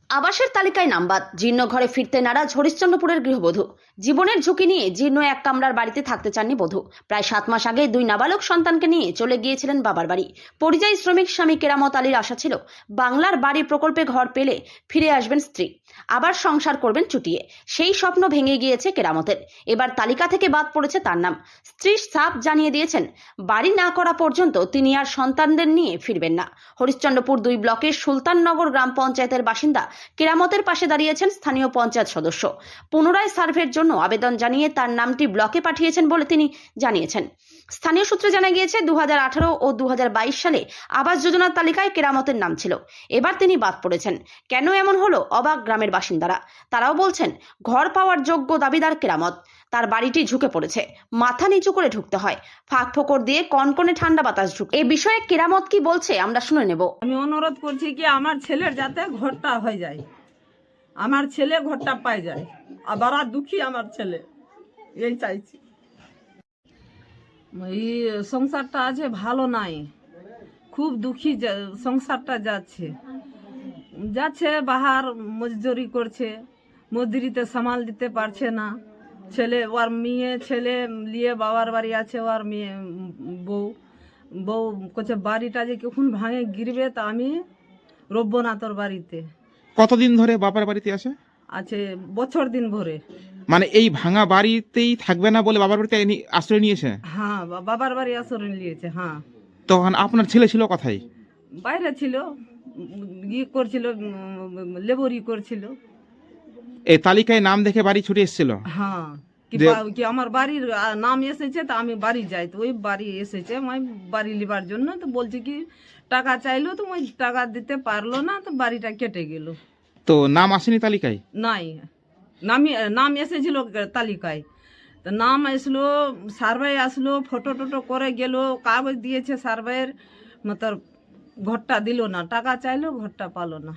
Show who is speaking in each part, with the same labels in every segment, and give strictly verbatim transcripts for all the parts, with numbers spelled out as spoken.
Speaker 1: আবাসের তালিকায় নাম বাদ, জীর্ণ ঘরে ফিরতে নারাজ হরিশ্চন্দ্রপুরের গৃহবধূ। জীবনের ঝুঁকি নিয়ে জীর্ণ এক কামরার বাড়িতে থাকতে চাননি বধূ। প্রায় সাত মাস আগে দুই নাবালক সন্তানকে নিয়ে চলে গিয়েছিলেন বাবার বাড়ি। পরিযায়ী শ্রমিক স্বামী কেরামত আলীর আশা ছিল বাংলার বাড়ি প্রকল্পে ঘর পেলে ফিরে আসবেন স্ত্রী, আবার সংসার করবেন চুটিয়ে। সেই স্বপ্ন ভেঙে গিয়েছে কেরামতের। এবার তালিকা থেকে বাদ পড়েছে তার নাম। স্ত্রী সাফ জানিয়ে দিয়েছেন, বাড়ি না করা পর্যন্ত তিনি আর সন্তানদের নিয়ে ফিরবেন না। হরিশ্চন্দ্রপুর দুই ব্লকের সুলতাননগর গ্রাম পঞ্চায়েতের বাসিন্দা কেরামতের পাশে দাঁড়িয়েছেন স্থানীয় পঞ্চায়েত সদস্য। পুনরায় সার্ভের জন্য আবেদন জানিয়ে তার নামটি ব্লকে পাঠিয়েছেন বলে তিনি জানিয়েছেন। স্থানীয় সূত্রে জানা গিয়েছে দু হাজার আঠারো ও দু হাজার বাইশ সালে আবাস যোজনার তালিকায় কেরামতের নাম ছিল, এবার তিনি বাদ পড়েছেন। কেন এমন হলো অবাক গ্রামের বাসিন্দারা। তারাও বলছেন, ঘর পাওয়ার যোগ্য দাবিদার কেরামত, তার বাড়িটি ঝুঁকে পড়েছে, মাথা নিচু করে ঢুকতে হয়, ফাঁক ফোকর দিয়ে কনকনে ঠান্ডা বাতাস ঢুকে। এই বিষয়ে কেরামত কি বলছে আমরা শুনে নেব।
Speaker 2: আমি অনুরোধ করছি কি আমার ছেলের যাতে ঘরটা হয়ে যায়, আমার ছেলে ঘরটা পাই যায়। আবার আর দুঃখী আমার ছেলে, এই চাইছি। এই সংসারটা আছে ভালো নাই, খুব দুঃখী সংসারটা যাচ্ছে যাচ্ছে বাহার মজদুরি করছে, মজদুরিতে সামাল দিতে পারছে না। ছেলে ওর মেয়ে ছেলে নিয়ে বাবার বাড়ি আছে, ওর মেয়ে বউ বউ করছে বাড়িটা যে কখন ভাঙে গিরবে তা আমি রব্য না তোর বাড়িতে।
Speaker 3: কতদিন ধরে বাবার বাড়িতে আছে?
Speaker 2: আছে বছর দিন ভরে।
Speaker 3: মানে এই ভাঙা বাড়িতেই থাকবে না বলে বাবার বাড়িতে নি- আশ্রয় নিয়েছে?
Speaker 2: হ্যাঁ, বা- বাবার বাড়ি আশ্রয় নিয়েছে। হ্যাঁ,
Speaker 3: তখন আপনার ছেলে ছিল কোথায়?
Speaker 2: বাইরে ছিল, উম, ই করছিল, উম, লেবরি করছিল।
Speaker 3: এই তালিকায় নাম দেখে বাড়ি ছুটে এসেছিল?
Speaker 2: হ্যাঁ, কি
Speaker 3: যে-
Speaker 2: বা- কি আমার বাড়ির আহ, নাম এসেছে তা আমি বাড়ি যাই, তো ওই বাড়ি এসেছে আমি বাড়ি লিবার জন্য। তো বলছি কি টাকা চাইলো, তো ওই টাকা দিতে পারলো না, তো বাড়িটা কেটে গেল।
Speaker 3: তো নাম আসেনি তালিকায়?
Speaker 2: নাই, নাম নাম এসেছিল তালিকায়, তো নাম আসলো, সার্ভে আসলো, ফটো টোটো করে গেল, কাগজ দিয়েছে সার্ভের, মতলব ঘরটা দিল না, টাকা চাইলো ঘরটা পালো না।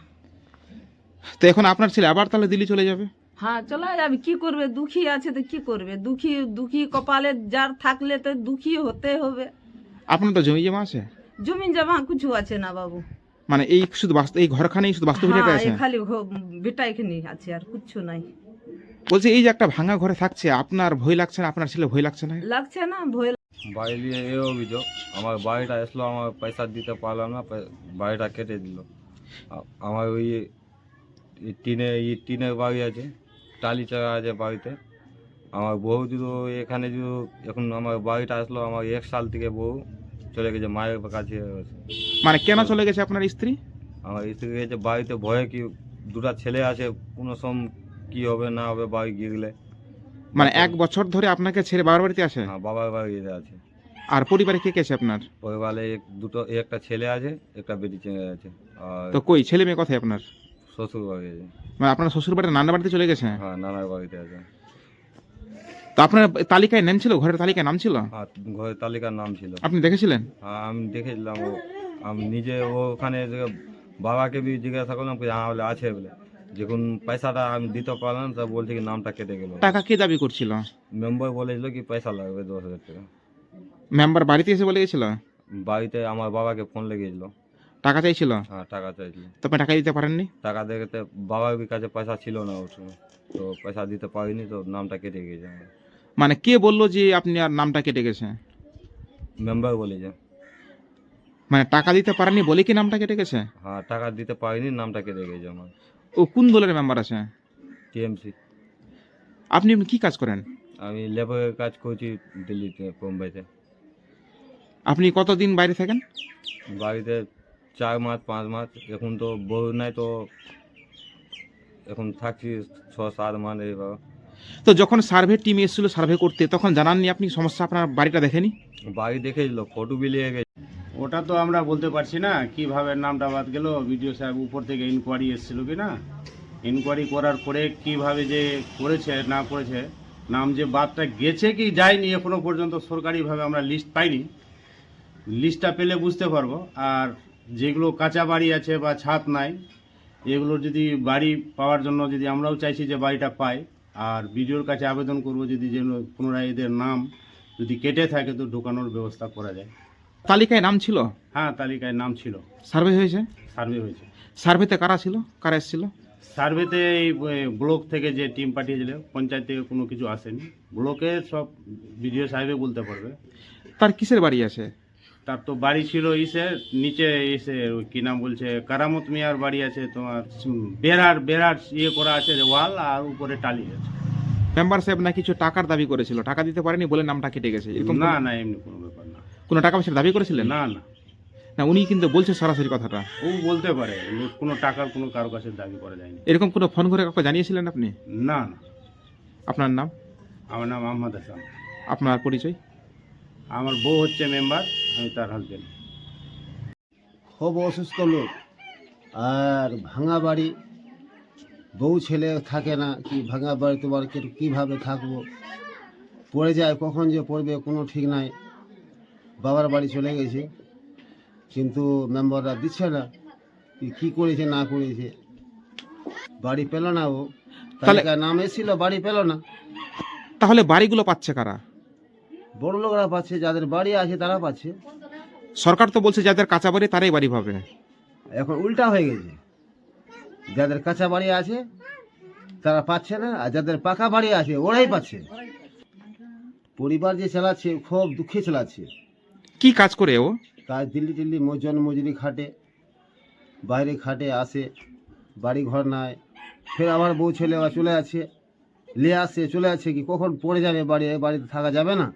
Speaker 3: তো এখন আপনার ছেলে আবার তাহলে দিল্লি চলে যাবে?
Speaker 2: হ্যাঁ, চলে যাবে, কি করবে, দুঃখী আছে তো কি করবে, দুঃখী দুঃখী কপালে যার থাকলে তো দুঃখী হতে হবে।
Speaker 3: আপনার তো জমি জমা আছে?
Speaker 2: জমি জমা কিছু আছে না বাবু।
Speaker 3: মানে এই শুধু বাস্তু এই ঘরখানেই শুধু বাস্তু ভিটাটা
Speaker 2: হ্যাঁ,
Speaker 3: আছে?
Speaker 2: এই খালি ঘ- বেটা এখানে আছে, আর কিছু নাই।
Speaker 3: বলছে এই যে একটা ভাঙা ঘরে থাকছে, আপনার ভয় লাগছে না? আপনার ছেলে ভয় লাগছে না?
Speaker 2: লাগছে না ভয়?
Speaker 4: বাড়ি নিয়ে এই অভিযোগ, আমার বাড়িটা আসলো, আমার পয়সা দিতে পারলাম না, পয়- বাড়িটা কেটে দিল। আ- আমার ওই এই টিনে এই টিনের বাড়ি আছে, টালি চাকা আছে বাড়িতে। আমার বউ যদি এখানে যদি এখন আমার বাড়িটা আসলো, আমার এক সাল থেকে বউ চলে গেছে মায়ের কাছে।
Speaker 3: মানে কেন চলে গেছে আপনার স্ত্রী?
Speaker 4: আমার স্ত্রী গেছে বাড়িতে ভয়ে, কি দুটা ছেলে আছে, কোনো সম কি হবে না হবে বাড়ি গিয়ে।
Speaker 3: মানে এক বছর ধরে আপনাকে ছেড়ে বাবার বাড়িতে আছে?
Speaker 4: হ্যাঁ, বাবার বাড়িতে আছে।
Speaker 3: আর পরিবারে কে কে আছে আপনার?
Speaker 4: পরিবারে এক দুটো একটা ছেলে আছে, একটা বেটি ছেলে আছে, আর
Speaker 3: তো কই ছেলে মেয়ে কোথায় আপনার?
Speaker 4: শ্বশুর বাড়ি আছে।
Speaker 3: মানে আপনার শ্বশুর বাড়ি নানা বাড়িতে চলে গেছে?
Speaker 4: হ্যাঁ, নানার বাড়িতে আছে।
Speaker 3: তো আপনার তালিকায় নাম ছিল, ঘরের তালিকায় নাম ছিল?
Speaker 4: হ্যাঁ, ঘরের তালিকার নাম ছিল।
Speaker 3: আপনি দেখেছিলেন?
Speaker 4: হ্যাঁ, আমি দেখেছিলাম। ও আমি নিজে ও ওখানে যে বাবাকে বি জিজ্ঞাসা করলাম কি হ্যাঁ বলে আছে বলে, যখন পয়সাটা আমি দিতে পারলাম তা বলছে কি নামটা কেটে গেল।
Speaker 3: টাকা কে দাবি করছিল?
Speaker 4: মেম্বার বলেছিল কি পয়সা লাগবে দশ হাজার টাকা।
Speaker 3: মেম্বার বাড়িতে এসে বলে গেছিল?
Speaker 4: বাড়িতে আমার বাবাকে ফোন লেগেছিল।
Speaker 3: টাকা চাইছিল?
Speaker 4: হ্যাঁ, টাকা চাইছিল।
Speaker 3: তো আপনি টাকা দিতে পারেননি?
Speaker 4: টাকা দেখতে বাবার কাছে পয়সা ছিল না ওর সময়, তো পয়সা দিতে পারিনি, তো নামটা কেটে গেছে আমার।
Speaker 3: মানে কে বললো যে আপনি আর নামটা কেটে গেছে?
Speaker 4: মেম্বার বলেছে।
Speaker 3: মানে টাকা দিতে পারেননি বলে কি নামটা কেটে গেছে?
Speaker 4: হ্যাঁ, টাকা দিতে পারিনি, নামটা কেটে গেছে আমার।
Speaker 3: ও কোন দলের মেম্বার আছে?
Speaker 4: টিএমসি।
Speaker 3: আপনি কি কাজ করেন?
Speaker 4: আমি লেবারের কাজ করছি দিল্লিতে, মুম্বাইতে।
Speaker 3: আপনি কতদিন বাইরে থাকেন?
Speaker 4: বাড়িতে চার মাস পাঁচ মাস, এখন তো বউ নাই, তো এখন থাকছি ছ সাত মাস এইভাবে।
Speaker 3: তো যখন সার্ভে টিম এসেছিল সার্ভে করতে, তখন জানাননি আপনি সমস্যা? আপনার বাড়িটা দেখেনি?
Speaker 4: বাড়ি দেখেছিল, ফটো বিলিয়ে গেছে।
Speaker 5: ওটা তো আমরা বলতে পারছি না কিভাবে নামটা বাদ গেল। বিডিও সাহেব উপর থেকে ইনকোয়ারি এসেছিল কি না, ইনকোয়ারি করার পরে কিভাবে যে করেছে না করেছে, নাম যে বাদটা গেছে কি যায়নি এখনো পর্যন্ত সরকারিভাবে আমরা লিস্ট পাইনি। লিস্টটা পেলে বুঝতে পারবো। আর যেগুলো কাঁচা বাড়ি আছে বা ছাদ নাই, এগুলো যদি বাড়ি পাওয়ার জন্য যদি আমরাও চাইছি যে বাড়িটা পাই, আর বিডিওর কাছে আবেদন করব যদি যেন পুনরায় এদের নাম যদি কেটে থাকে তো ঢোকানোর ব্যবস্থা করা যায়।
Speaker 3: তালিকায় নাম ছিল?
Speaker 5: হ্যাঁ, তালিকায় নাম ছিল,
Speaker 3: সার্ভে হয়েছে?
Speaker 5: সার্ভে হয়েছে।
Speaker 3: সার্ভেতে কারা ছিল, কারা এসেছিল?
Speaker 5: সার্ভেতে এই এ, ব্লক থেকে যে টিম পাঠিয়েছিল, পঞ্চায়েত থেকে কোনো কিছু আসেনি। ব্লকে সব বিডিও সাহেবে বলতে পারবে।
Speaker 3: তার কিসের বাড়ি আছে?
Speaker 5: তার তো বাড়ি ছিল ইসে নিচে এসে ওই কি নাম বলছে কারামত মিয়ার বাড়ি আছে তোমার, উম, বেড়ার বেড়ার ইয়ে করা আছে ওয়াল, আর উপরে টালি আছে।
Speaker 3: মেম্বার সাহেব না কিছু টাকার দাবি করেছিল, টাকা দিতে পারেনি বলে নামটা কেটে গেছে, এরকম
Speaker 5: না
Speaker 3: কোনো-
Speaker 5: না এমনি কোনো ব্যাপার না।
Speaker 3: কোনো টাকা পয়সার দাবি করেছিলেন?
Speaker 5: না না
Speaker 3: না, উনি কিন্তু বলছে সরাসরি কথাটা।
Speaker 5: ও বলতে পারে, ও কোনো টাকার কোনো কারো কাছে দাবি করা যায়নি।
Speaker 3: এরকম কোনো ফোন করে কাউকে জানিয়েছিলেন আপনি?
Speaker 5: না না।
Speaker 3: আপনার নাম,
Speaker 5: আমার নাম আহমদ হাসান।
Speaker 3: আপনার পরিচয়?
Speaker 5: আমার বউ হচ্ছে মেম্বার, আমি তার হাজবেন্ড।
Speaker 6: খুব অসুস্থ লোক, আর ভাঙা বাড়ি, বউ ছেলে থাকে না, কি ভাঙা বাড়ি তোমার কি- কীভাবে থাকবো, পড়ে যায়, কখন যে পড়বে কোনো ঠিক নাই। বাবার বাড়ি চলে গেছে, কিন্তু মেম্বাররা দিচ্ছে না, কি কী করেছে না করেছে। বাড়ি পেল না, ও
Speaker 3: তাহলে-
Speaker 6: তালিকায় নাম এসেছিল, বাড়ি পেল না।
Speaker 3: তাহলে বাড়িগুলো পাচ্ছে কারা?
Speaker 6: বড় লোকরা পাচ্ছে, যাদের বাড়ি আছে তারা পাচ্ছে।
Speaker 3: সরকার তো বলছে যাদের কাঁচা বাড়ি তারাই বাড়ি পাবে।
Speaker 6: এখন উল্টা হয়ে গেছে, যাদের কাঁচা বাড়ি আছে তারা পাচ্ছে না, আর যাদের পাকা বাড়ি আছে ওরাই পাচ্ছে। পরিবার যে চালাচ্ছে খুব দুঃখে চালাচ্ছে।
Speaker 3: কি কাজ করে ও?
Speaker 6: কাজ দিল্লি টিল্লি মজন মজুরি খাটে, বাইরে খাটে, আসে, বাড়ি ঘর নাই, ফের আবার বউ ছেলে আবার চলে আছে, নিয়ে আসছে, চলে আছে, কি কখন পড়ে যাবে বাড়ি, বাড়িতে থাকা যাবে না।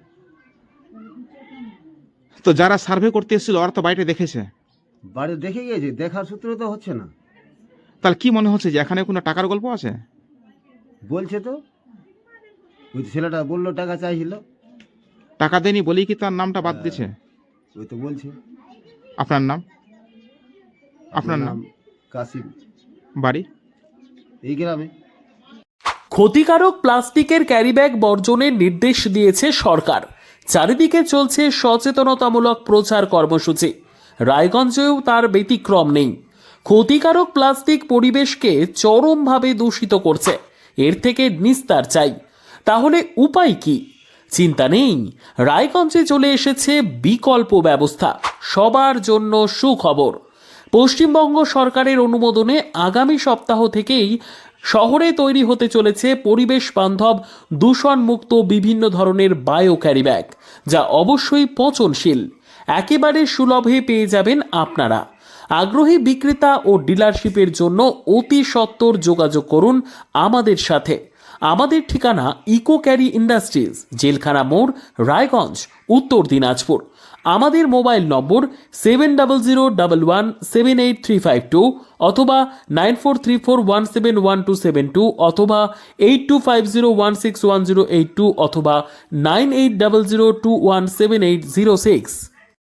Speaker 3: তো যারা সার্ভে করতে এসেছিল ওরা তো বাড়িটা দেখেছে,
Speaker 6: বাড়ি দেখে গিয়েছে, দেখার সূত্রে তো হচ্ছে না।
Speaker 3: তাহলে কি মনে হচ্ছে যে এখানে কোনো টাকার গল্প আছে?
Speaker 6: বলছে তো, ওই ছেলেটা বললো টাকা চাইছিল,
Speaker 3: টাকা দেয়নি বলেই কি তার নামটা বাদ দিয়েছে?
Speaker 6: ওই তো বলছে।
Speaker 3: আপনার নাম? আপনার নাম?
Speaker 6: কাসিম,
Speaker 3: বাড়ি?
Speaker 6: এই গ্রামে।
Speaker 7: ক্ষতিকারক প্লাস্টিকের ক্যারিব্যাগ বর্জনের নির্দেশ দিয়েছে সরকার। চারিদিকে চলছে সচেতনতামূলক প্রচার কর্মসূচি, রায়গঞ্জেও তার ব্যতিক্রম নেই। ক্ষতিকারক প্লাস্টিক পরিবেশকে চরমভাবে দূষিত করছে, এর থেকে নিস্তার চাই। তাহলে উপায় কি? চিন্তা নেই, রায়গঞ্জে চলে এসেছে বিকল্প ব্যবস্থা। সবার জন্য সুখবর, পশ্চিমবঙ্গ সরকারের অনুমোদনে আগামী সপ্তাহ থেকেই শহরে তৈরি হতে চলেছে পরিবেশ বান্ধব দূষণমুক্ত বিভিন্ন ধরনের বায়ো ক্যারিব্যাগ, যা অবশ্যই পচনশীল। একেবারে সুলভে পেয়ে যাবেন আপনারা। আগ্রহী বিক্রেতা ও ডিলারশিপের জন্য অতি সত্বর যোগাযোগ করুন আমাদের সাথে। আমাদের ঠিকানা ইকো ক্যারি ইন্ডাস্ট্রিজ, জেলখানা মোড়, রায়গঞ্জ, উত্তর দিনাজপুর। আমাদের mobile number seven double zero double one seven eight three five two অথবা nine four three four one seven one two seven two অথবা eight two five zero one six one zero eight two অথবা nine eight double zero two one seven eight zero six.